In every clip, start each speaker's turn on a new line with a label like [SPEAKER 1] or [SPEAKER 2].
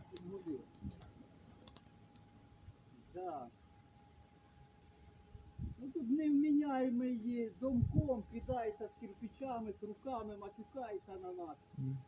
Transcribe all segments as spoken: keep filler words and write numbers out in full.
[SPEAKER 1] Да. Ну тут невміняємий домком, кидається з кирпичами, з руками, матюкається на нас.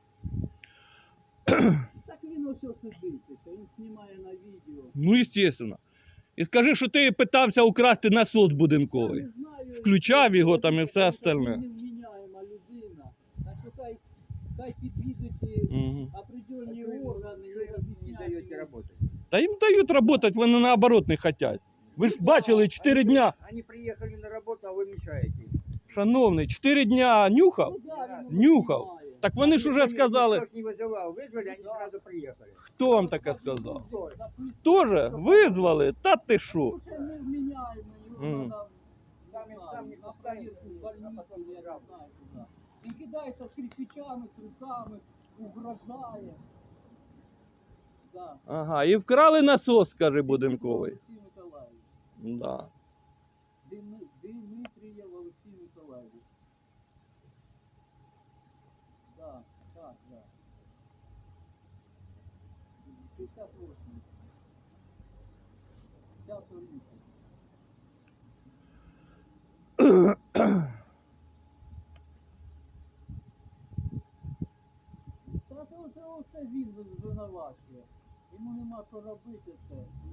[SPEAKER 1] Так він ось сидить, він знімає на відео.
[SPEAKER 2] Ну, естественно. І скажи, що ти питався украсти насос будинковий.
[SPEAKER 1] Я не знаю,
[SPEAKER 2] Включав його там і все остальне.
[SPEAKER 1] Він невміняєма людина. Так що хай, хай під'їдуть
[SPEAKER 2] Угу.
[SPEAKER 1] определенні органи і об'ясняють йому.
[SPEAKER 2] Та їм дають працювати, вони наоборот не хочуть. Ви ж бачили, чотири дня.
[SPEAKER 3] Они приехали на работу, а вы мешаете им.
[SPEAKER 2] Шановний, чотири дня нюхав?
[SPEAKER 1] Ну, да, він
[SPEAKER 2] Нюхав.
[SPEAKER 1] знімає.
[SPEAKER 2] Так вони ж уже сказали.
[SPEAKER 3] Никто ж не вызывал, вызвали, они сразу приехали.
[SPEAKER 2] Хто вам таке сказав?
[SPEAKER 1] Записують.
[SPEAKER 2] Тоже визвали? Та ти що?
[SPEAKER 1] Ну, ще невміняємий, його
[SPEAKER 2] Мгм.
[SPEAKER 1] треба
[SPEAKER 3] Самі- самі
[SPEAKER 1] на проїзду в больницю, я не знаю куди. Він кидається з кирпичами, з руками, угрожає. Да.
[SPEAKER 2] Ага, і вкрали насос, каже будинковий.
[SPEAKER 1] Олексій Миколаївич.
[SPEAKER 2] Да.
[SPEAKER 1] Дими- Дмитрієв Олексій Миколаївич. Да, так, да. п'ятдесят восемь. п'ятого лютого. Та це оце, оце він винувачує. Йому нема що робити це.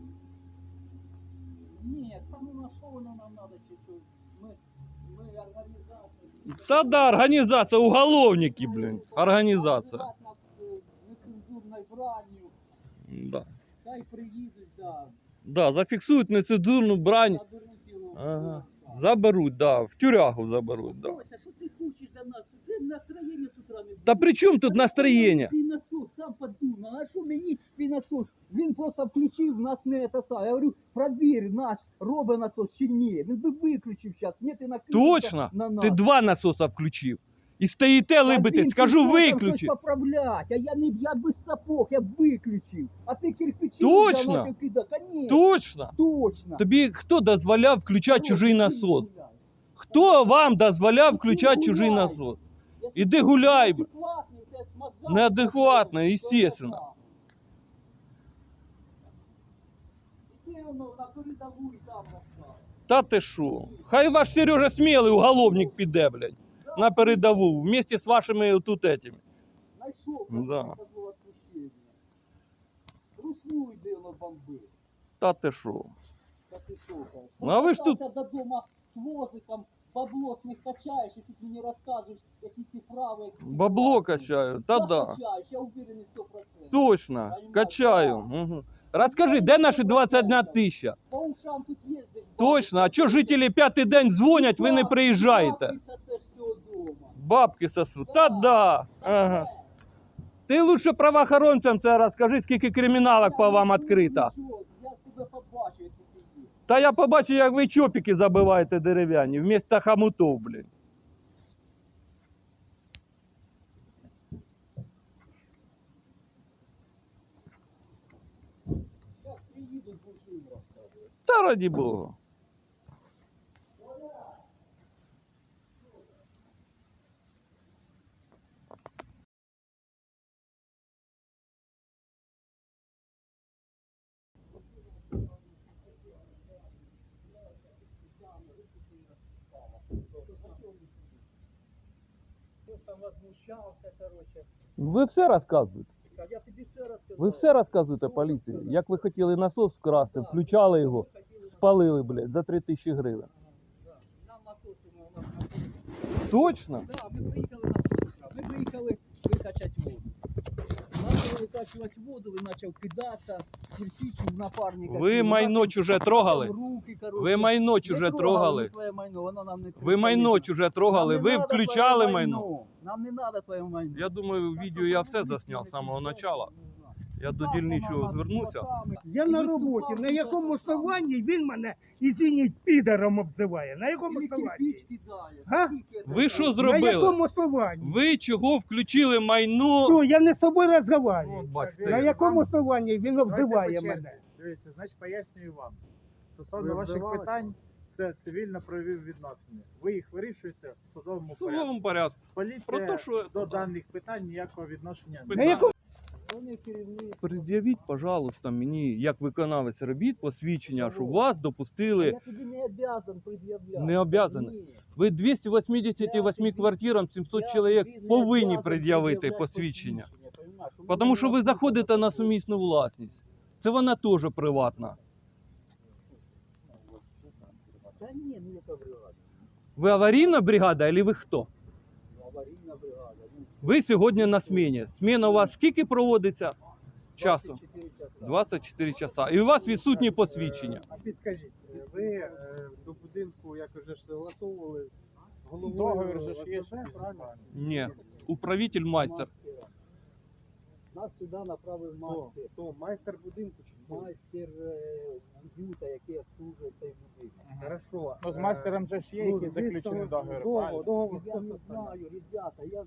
[SPEAKER 1] Ні, та ну на що воно нам треба, чи що? Ми, ми організація.
[SPEAKER 2] Та да, організація, уголовники, блін. Організація.
[SPEAKER 1] Нас е, нецензурною бранню.
[SPEAKER 2] Да.
[SPEAKER 1] Хай приїдуть, да.
[SPEAKER 2] Да, зафіксують нецензурну брань.
[SPEAKER 1] Заберуть його.
[SPEAKER 2] Ага. Заберуть, да, в тюрягу заберуть, да.
[SPEAKER 1] Кося, що ти хочеш до нас? Ти настроєння з утра не буде.
[SPEAKER 2] Та при чому тут настроєння?
[SPEAKER 1] Твій насос сам подумав, а що мені твій насос? Він просто включив, нас не це саме. Я говорю, провір наш, робить насос чи ні. Він би виключив зараз, ні, ти накинувся
[SPEAKER 2] Точно?
[SPEAKER 1] на нас.
[SPEAKER 2] Ти два насоса включив. І стоїте
[SPEAKER 1] Та
[SPEAKER 2] либите,
[SPEAKER 1] він
[SPEAKER 2] скажу
[SPEAKER 1] пішов там
[SPEAKER 2] виключи.
[SPEAKER 1] щось поправлять, а я не я без сапог, я виключив. А ти кирпичі
[SPEAKER 2] Точно?
[SPEAKER 1] взяв, почав кидати. Конечно,
[SPEAKER 2] Точно?
[SPEAKER 1] точно.
[SPEAKER 2] Тобі хто дозволяв включати
[SPEAKER 1] Короче,
[SPEAKER 2] чужий
[SPEAKER 1] ти
[SPEAKER 2] насос?
[SPEAKER 1] гуляй.
[SPEAKER 2] Хто вам дозволяв
[SPEAKER 1] Ти
[SPEAKER 2] включати чужий
[SPEAKER 1] гуляй.
[SPEAKER 2] насос?
[SPEAKER 1] Якщо
[SPEAKER 2] Іди
[SPEAKER 1] ти
[SPEAKER 2] гуляй, б.
[SPEAKER 1] неадекватний, у тебе з мозгами
[SPEAKER 2] Неадекватно,
[SPEAKER 1] проблеми, то
[SPEAKER 2] естественно.
[SPEAKER 1] це так. Іди воно на передову і там розстав.
[SPEAKER 2] Та ти що? Хай ваш Сережа Смілий уголовник піде, блядь, на передову, вместе з вашими тут этими.
[SPEAKER 1] Найшов,
[SPEAKER 2] Да.
[SPEAKER 1] дозвол відпущення. Русну йди, воно бомби.
[SPEAKER 2] Та ти що?
[SPEAKER 1] Та ти що, кажеш?
[SPEAKER 2] Ну, а ви ж тут-
[SPEAKER 1] Повертався додому з возиком, бабло з них качаєш, і тут мені розказуєш, які ти правий. які ти
[SPEAKER 2] Бабло
[SPEAKER 1] класний.
[SPEAKER 2] качаю, та
[SPEAKER 1] Та
[SPEAKER 2] да.
[SPEAKER 1] качаєш, я уверений сто процентів.
[SPEAKER 2] Точно, качаю. Угу. Розкажи, де наші двадцять одна тисяча?
[SPEAKER 1] По ушам тут їздиш.
[SPEAKER 2] Точно, а чого жителі п'ятий день дзвонять, ви не приїжджаєте?
[SPEAKER 1] Бабки сосеш з цього дому.
[SPEAKER 2] Бабки сосуть. Та да. Ага. Ти лучше правоохоронцям це розкажи, скільки криміналок по вам відкрито.
[SPEAKER 1] Я з тебе побачу, як ти їдеш.
[SPEAKER 2] Та я побачив, як ви чопики забиваєте дерев'яні, вмісто хомутов, блін.
[SPEAKER 1] Зараз приїдуть, будеш їм розказувати.
[SPEAKER 2] Та раді Бога.
[SPEAKER 1] Хтось там возмущався, короче.
[SPEAKER 2] Ви все розказуєте.
[SPEAKER 1] А я тобі все розказав.
[SPEAKER 2] Ви все розказуєте поліції. Як ви хотіли насос вкрасти, включали його, спалили, блядь, за три тисячі гривень.
[SPEAKER 1] Да. Нам насоси ми у нас знаходяться.
[SPEAKER 2] Точно?
[SPEAKER 1] Да, ми приїхали на сушка. Ми приїхали викачати воду. Почали викачувати воду, він почав кидатися, кирпичів напарника.
[SPEAKER 2] Ви майно чуже трогали?
[SPEAKER 1] Руки, короче.
[SPEAKER 2] Ви майно
[SPEAKER 1] Не
[SPEAKER 2] чуже
[SPEAKER 1] трогали
[SPEAKER 2] трогали?
[SPEAKER 1] ми твоє майно, воно нам не
[SPEAKER 2] Ви майно
[SPEAKER 1] треба.
[SPEAKER 2] чуже трогали?
[SPEAKER 1] Нам не
[SPEAKER 2] Ви
[SPEAKER 1] надо
[SPEAKER 2] включали
[SPEAKER 1] твоє
[SPEAKER 2] майно?
[SPEAKER 1] Нам не треба твоє майно.
[SPEAKER 2] Я думаю, в відео я все засняв з самого початку. Я до дільничого звернувся.
[SPEAKER 4] Я на роботі. На якому основанні він мене, извиніть, підером обзиває? На якому
[SPEAKER 1] Или
[SPEAKER 4] основанні?
[SPEAKER 1] кирпич кидає.
[SPEAKER 4] Га?
[SPEAKER 1] Скільки це
[SPEAKER 2] Ви що
[SPEAKER 1] там?
[SPEAKER 4] На
[SPEAKER 2] зробили?
[SPEAKER 4] якому основанні?
[SPEAKER 2] Ви чого включили майно?
[SPEAKER 4] Що, я не з тобою
[SPEAKER 2] От
[SPEAKER 4] розмовляю.
[SPEAKER 2] бачите.
[SPEAKER 4] На якому основанні він
[SPEAKER 5] Давайте
[SPEAKER 4] обзиває
[SPEAKER 5] по черзі.
[SPEAKER 4] мене?
[SPEAKER 5] Дивіться, значить пояснюю вам. Стосовно
[SPEAKER 4] Ви
[SPEAKER 5] ваших
[SPEAKER 4] обзивали?
[SPEAKER 5] питань, це цивільно-правові відносини. Ви їх вирішуєте в судовому
[SPEAKER 2] В
[SPEAKER 5] порядку.
[SPEAKER 2] судовому порядку. Про
[SPEAKER 5] Поліція
[SPEAKER 2] те, що-
[SPEAKER 5] до даних питань ніякого відношення
[SPEAKER 2] На
[SPEAKER 5] не
[SPEAKER 4] якому-
[SPEAKER 5] має.
[SPEAKER 1] Вони керівник.
[SPEAKER 2] Пред'явіть, пожалуйста, мені, як виконавець робіт, посвідчення, що вас
[SPEAKER 1] Я
[SPEAKER 2] допустили.
[SPEAKER 1] тобі не обязан пред'являти.
[SPEAKER 2] Не обязаний?
[SPEAKER 1] Ні.
[SPEAKER 2] Ви двісті вісімдесят восьми
[SPEAKER 1] Я тобі-
[SPEAKER 2] квартирам, сімсот
[SPEAKER 1] Я
[SPEAKER 2] чоловік
[SPEAKER 1] тобі не
[SPEAKER 2] повинні
[SPEAKER 1] обязан
[SPEAKER 2] пред'явити
[SPEAKER 1] пред'являти
[SPEAKER 2] посвідчення.
[SPEAKER 1] понімаєш? У
[SPEAKER 2] Тому що ви
[SPEAKER 1] мене
[SPEAKER 2] заходите на
[SPEAKER 1] такого.
[SPEAKER 2] сумісну власність. Це вона теж приватна.
[SPEAKER 1] Та ні, ну яка бригада.
[SPEAKER 2] Ви аварійна бригада, або ви хто?
[SPEAKER 1] Ну, аварійна бригада. Ну,
[SPEAKER 2] Ви сьогодні на сміні. Сміна у вас скільки проводиться? Часу?
[SPEAKER 1] двадцять чотири часа.
[SPEAKER 2] двадцять чотири часа. І у вас відсутні посвідчення.
[SPEAKER 5] А підскажіть, е, ви е, до будинку як вже ж согласовували з головою
[SPEAKER 3] Договір же ж є,
[SPEAKER 5] ОСББ,
[SPEAKER 3] якийсь,
[SPEAKER 5] правильно?
[SPEAKER 3] правильно?
[SPEAKER 2] Ні. Управитель майстер.
[SPEAKER 1] Мастера. Нас сюди направив
[SPEAKER 5] Хто?
[SPEAKER 1] мастер.
[SPEAKER 5] Хто? Майстер будинку чи хто?
[SPEAKER 1] Майстер е, уюта, який обслужує цей будинок.
[SPEAKER 5] Хорошо.
[SPEAKER 3] Ну, з
[SPEAKER 5] Е,
[SPEAKER 3] майстером же ж є
[SPEAKER 5] ну,
[SPEAKER 3] якийсь
[SPEAKER 5] ви
[SPEAKER 3] заключений
[SPEAKER 5] согла-
[SPEAKER 3] договір,
[SPEAKER 5] договор,
[SPEAKER 3] правильно?
[SPEAKER 5] договор,
[SPEAKER 1] Я
[SPEAKER 5] хто
[SPEAKER 1] не
[SPEAKER 5] составляє?
[SPEAKER 1] знаю, ребята, я...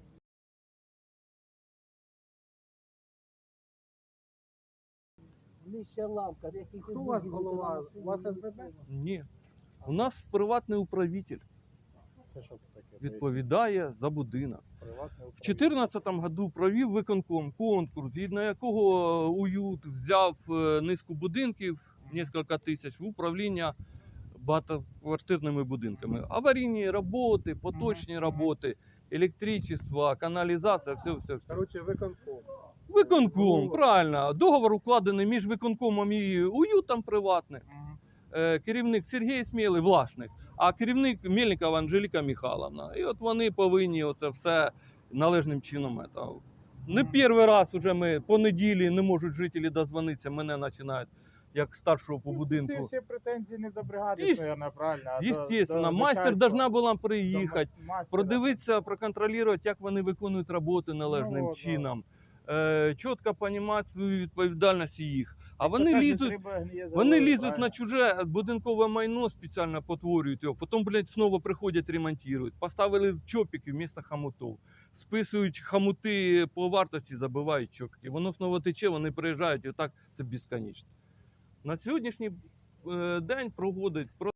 [SPEAKER 1] Нижча лавка, який
[SPEAKER 5] Хто у вас голова? У вас СББ?
[SPEAKER 2] Ні. У нас приватний управитель.
[SPEAKER 3] Це що це таке?
[SPEAKER 2] Відповідає за будинок.
[SPEAKER 3] Приватне
[SPEAKER 2] В
[SPEAKER 3] управління.
[SPEAKER 2] чотирнадцятому году провів виконком конкурс, згідно якого уют взяв е, низку будинків, кілька тисяч, в управління багатоквартирними будинками. Аварійні роботи, поточні роботи, електричество, каналізація, все, все, все.
[SPEAKER 5] Коротше, виконком.
[SPEAKER 2] Виконком,
[SPEAKER 5] Ну,
[SPEAKER 2] правильно. Договор укладений між виконкомом і уютом приватним.
[SPEAKER 3] Мгм.
[SPEAKER 2] Е, Керівник Сергій Смілий, власник, а керівник Мельникова Анжеліка Михайловна. І от вони повинні оце все належним чином. це. Не
[SPEAKER 3] Мгм.
[SPEAKER 2] перший раз уже ми по неділі не можуть жителі дозвонитися, мене починають як старшого по
[SPEAKER 3] Ну, Ці
[SPEAKER 2] будинку.
[SPEAKER 3] всі претензії не до бригади,
[SPEAKER 2] Єс-
[SPEAKER 3] наверное, правильно. а до-
[SPEAKER 2] Естественно,
[SPEAKER 3] до
[SPEAKER 2] майстер
[SPEAKER 3] начальства,
[SPEAKER 2] должна була
[SPEAKER 3] до
[SPEAKER 2] приїхати,
[SPEAKER 3] мас- мастера.
[SPEAKER 2] продивитися, проконтролювати, як вони виконують роботи належним
[SPEAKER 3] Ну, от,
[SPEAKER 2] чином. Е, чітко розуміти свою відповідальність їх. А
[SPEAKER 3] Як то
[SPEAKER 2] вони
[SPEAKER 3] кажуть,
[SPEAKER 2] лізуть,
[SPEAKER 3] риба гниє за
[SPEAKER 2] вони
[SPEAKER 3] головою,
[SPEAKER 2] лізуть
[SPEAKER 3] правильно?
[SPEAKER 2] на чуже будинкове майно, спеціально потворюють його, потім, блядь, знову приходять, ремонтують. Поставили чопики вмісто хомутів. Списують хомути по вартості, забивають чопики. Воно знову тече, вони приїжджають, і так це безконечно. На сьогоднішній е, день проводить про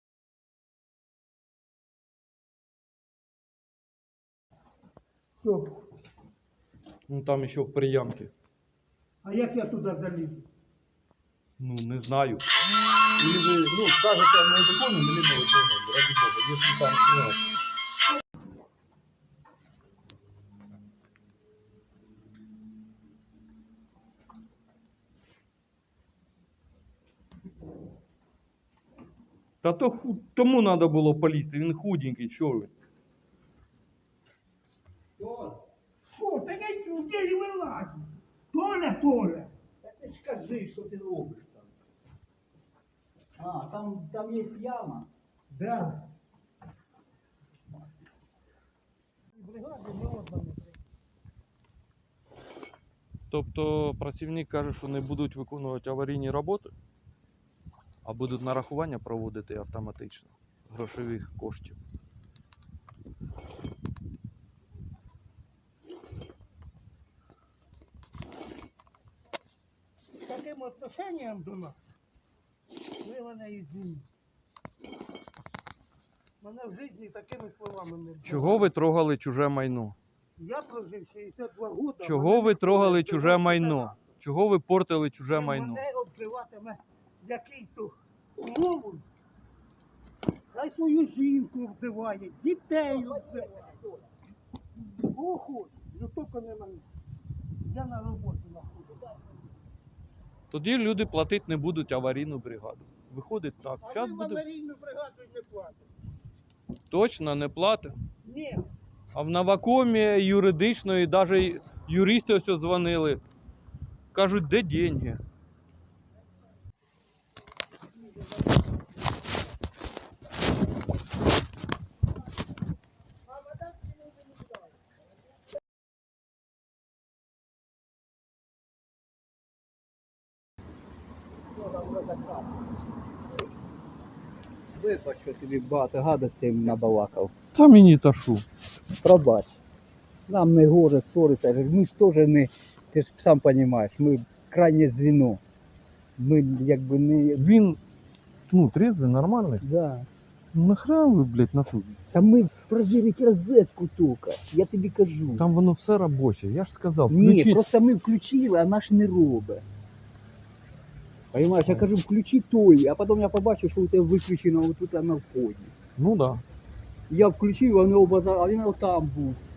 [SPEAKER 4] Що?
[SPEAKER 2] ну, там ще в приямки.
[SPEAKER 4] А як я туди залізу?
[SPEAKER 2] Ну, не знаю.
[SPEAKER 6] Или вы, ну, скажете, мы выполним или не выполним, ради бога, если там, ну,
[SPEAKER 2] Та то ху- тому треба було полізти, він худенький, що ви?
[SPEAKER 4] Що? Та я в ділі вилазю. Толя, Толя.
[SPEAKER 1] Та ти ж кажи, що ти робиш там. А, там, там є яма.
[SPEAKER 4] Да.
[SPEAKER 2] Тобто працівник каже, що не будуть виконувати аварійні роботи, а будуть нарахування проводити автоматично грошових коштів.
[SPEAKER 4] З таким отношенням до нас. Ви мене извините. Мене в житті такими словами не було.
[SPEAKER 2] Чого ви трогали чуже майно?
[SPEAKER 4] Я прожив шістдесят два роки.
[SPEAKER 2] Чого ви трогали чуже майно? Чого ви портили чуже майно?
[SPEAKER 4] Мене обзиватиме який-то клоун. Хай свою жінку обзиває, дітей обзиває. Кого хоче, ну тільки не мене. Я на роботу знаходжу.
[SPEAKER 2] Тоді люди платити не будуть аварійну бригаду. Виходить так.
[SPEAKER 4] А
[SPEAKER 2] Зараз
[SPEAKER 4] ви в
[SPEAKER 2] буде
[SPEAKER 4] аварійну бригаду не платите.
[SPEAKER 2] точно не платить.
[SPEAKER 4] Ні.
[SPEAKER 2] А в Новакомі юридичної, навіть юристи ось дзвонили. Кажуть, де деньги?
[SPEAKER 1] Вибач, що тобі багато гадостей набалакав.
[SPEAKER 2] Та мені та шу.
[SPEAKER 1] Пробач. Нам не гоже ссориться. Ми ж теж не, ти ж сам розумієш, ми крайнє звіно. Ми якби не.
[SPEAKER 2] Він, ну, трезвий, нормальний.
[SPEAKER 1] Да.
[SPEAKER 2] Ну нахрена ви, блядь, на тут?
[SPEAKER 1] Та ми провірити розетку тільки, я тобі кажу.
[SPEAKER 2] Там воно все робоче. Я ж сказав,
[SPEAKER 1] Ні,
[SPEAKER 2] включіть.
[SPEAKER 1] просто ми включили, а наш не робить. Понимаєш, я кажу, включи той, а потім я побачив, що у тебе виключено отут на вході.
[SPEAKER 2] Ну да.
[SPEAKER 1] Я включив, а вони оба за- а він там був.